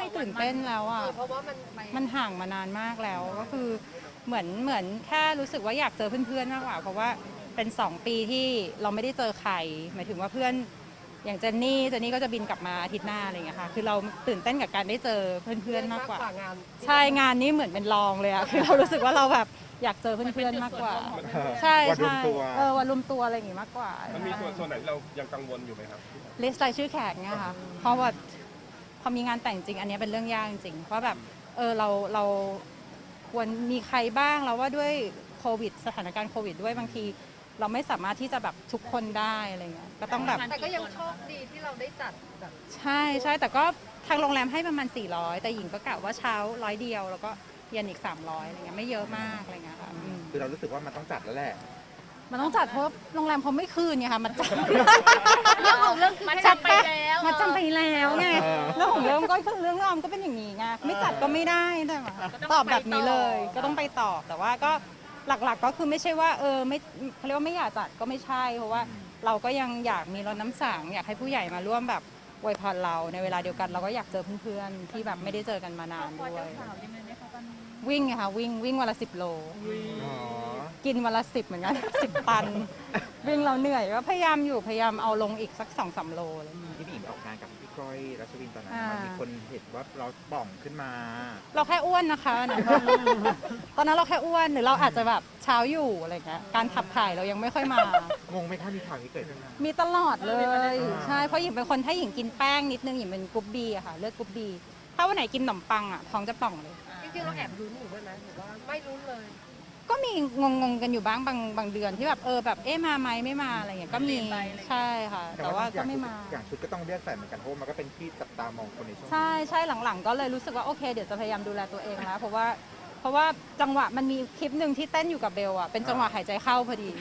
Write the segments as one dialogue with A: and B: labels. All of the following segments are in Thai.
A: ไม่ตื่นเต้นแล้วอ่ะ
B: เพราะว่า
A: มันห่างมานานมากแล้วก็คือเหมือนแค่รู้สึกว่าอยากเจอเพื่อนๆมากกว่าเพราะว่าเป็น2 ปีที่เราไม่ได้เจอใครหมายถึงว่าเพื่อนอย่างเจนนี่ก็จะบินกลับมาอาทิตย์หน้าอะไรอย่างเงี้ยค่ะคือเราตื่นเต้นกับการได้เจอเพื่อนๆมากกว่าง
B: าน
A: ใช่งานนี้เหมือนเป็นรองเลยอะคือเรารู้สึกว่าเราแบบอยากเจอเพื่อนๆมากกว่าใช่
C: วันรวม
A: ใช่
C: ตัว
A: วันรวมตัวอะไรอย่างงี้มากกว่า
D: มันมีส่วนไหนเรายังกังวลอยู่ไหมครับ
A: ลิสต์รายชื่อแขกเนี่ยค่ะเพราะว่าพอมีงานแต่งจริงอันนี้เป็นเรื่องยากจริงว่าแบบเราควรมีใครบ้างแล้วว่าด้วยโควิดสถานการณ์โควิดด้วยบางทีเราไม่สามารถที่จะแบบทุกคนได้อะไรเงี้ยก็ต้องแบบ
B: แต่ก็ยังโชคดีที่เราได้จัดแบบ
A: ใช่แต่ก็ทางโรงแรมให้ประมาณ400แต่หญิงก็กะว่าเช้า100เดียวแล้วก็เย็นอีก300อะไรเงี้ยไม่เยอะมากอะไรเงี้ยค่ะ
C: คือเรารู้สึกว่ามันต้องจัดแล้วแหละ
A: มันต้องจัดเพราะโรงแรมเขาไม่คืนไงค่ะมันจัด
B: เรื่องของเรื่อง
A: จัด
B: มันจำไปแล้ว
A: มาจำไปแล้วไง
C: เออ
A: เรื่องของเรื่องก็คือเรื่องราวมันก็เป็นอย่างนี้ไงไม่จัดก็ไม่ได้แต่ว่าตอบแบบนี้เลยก็ต้องไปตอบแต่ว่าก็หลักๆก็คือไม่ใช่ว่าไม่เขาเรียกว่าไม่อยากจัดก็ไม่ใช่เพราะว่าเราก็ยังอยากมีรถน้ำสังอยากให้ผู้ใหญ่มาร่วมแบบอวยพรเราในเวลาเดียวกันเราก็อยากเจอเพื่อนๆที่แบบไม่ได้เจอกันมานานด้วยวิ่งไงคะวิ่งวันละ10 โล
C: อ๋อ
A: กินวันละ10เหมือนกัน 10 ตัน วิ่งเราเหนื่อยก็พยายามเอาลงอีกสัก2-3 โลเลย
C: ที่พี่หญิงออกงานกับพี่ก้อยรัชวินตอนนั้น
A: อ่ามั
C: มันมีคนเห็นว่าเราป่องขึ้นมา
A: เราแค่อ้วนนะคะตอนนั้นเราแค่อ้วนหรือเราอาจจะแบบเช้าอยู่อะไรเงี้ยการขับถ่ายเรายังไม่ค่อยมา
C: งงไหมคะมีข่าวนี้เกิดขึ้นมา
A: มีตลอดเลย
C: อ่า
A: ใช่เพราะหญิงเป็นคนถ้าหญิงกินแป้งนิดนึงหญิงเป็นกรุ๊ปบีอะค่ะเลือดกรุ๊ปบีถ้าวันไหนกินขนมปังอะท้องจะป่องเลย
B: จริงๆเราแอบลุ้นอยู่ด้วยนะหรือว่าไม่ลุ้นเลย
A: ก็มีงงกันอยู่บ้างบางเดือนที่แบบแบบมาไหมไม่มาอะไรเงี้ยก็มีใช่ค่ะ แต่ว่าก็ไม่มา
C: อย่างชุดก็ต้องเลือกใส่เหมือนกันเพราะว่ามันก็เป็นที่จับตามองคนในช่วงนี้
A: ใช่หลังๆก็เลยรู้สึกว่าโอเคเดี๋ยวจะพยายามดูแลตัวเองแล้วเพราะว่าจังหวะมันมีคลิปหนึ่งที่เต้นอยู่กับเบลอะเป็นจังหวะหายใจเข้าพอดี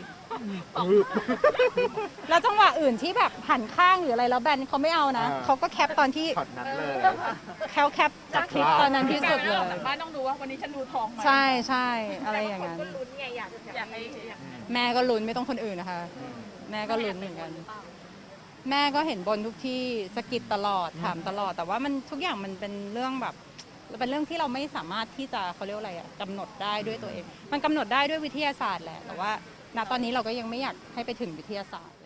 A: แล้วจังหวะอื่นที่แบบหันข้างหรืออะไรแล้วแบนเขาไม่เอานะเขาก็แคปตอนที่
C: ช็อตนั้นเลย
A: เขาแคปจากคลิปตอนนั้นที่สุดเลย
E: บ้านต้องดูว่าวันนี้ฉันดูทองไหม
A: ใช่อะไรอย่างนั้น
B: ก็ลุ้นไงอยาก
E: อยากให้
A: แม่ก็ลุ้นไม่ต้องคนอื่นนะคะ แม่ก็ลุ้นเหมือนกัน แม่ก็เห็นบนทุกที่สะกิดตลอดถามตลอด แต่ว่ามันทุกอย่างมันเป็นเรื่องแบบเป็นเรื่องที่เราไม่สามารถที่จะเขาเรียกว่าอะไรอะกำหนดได้ด้วยตัวเอง มันกำหนดได้ด้วยวิทยาศาสตร์แหละแต่ว่าณตอนนี้เราก็ยังไม่อยากให้ไปถึงวิทยาศาสตร์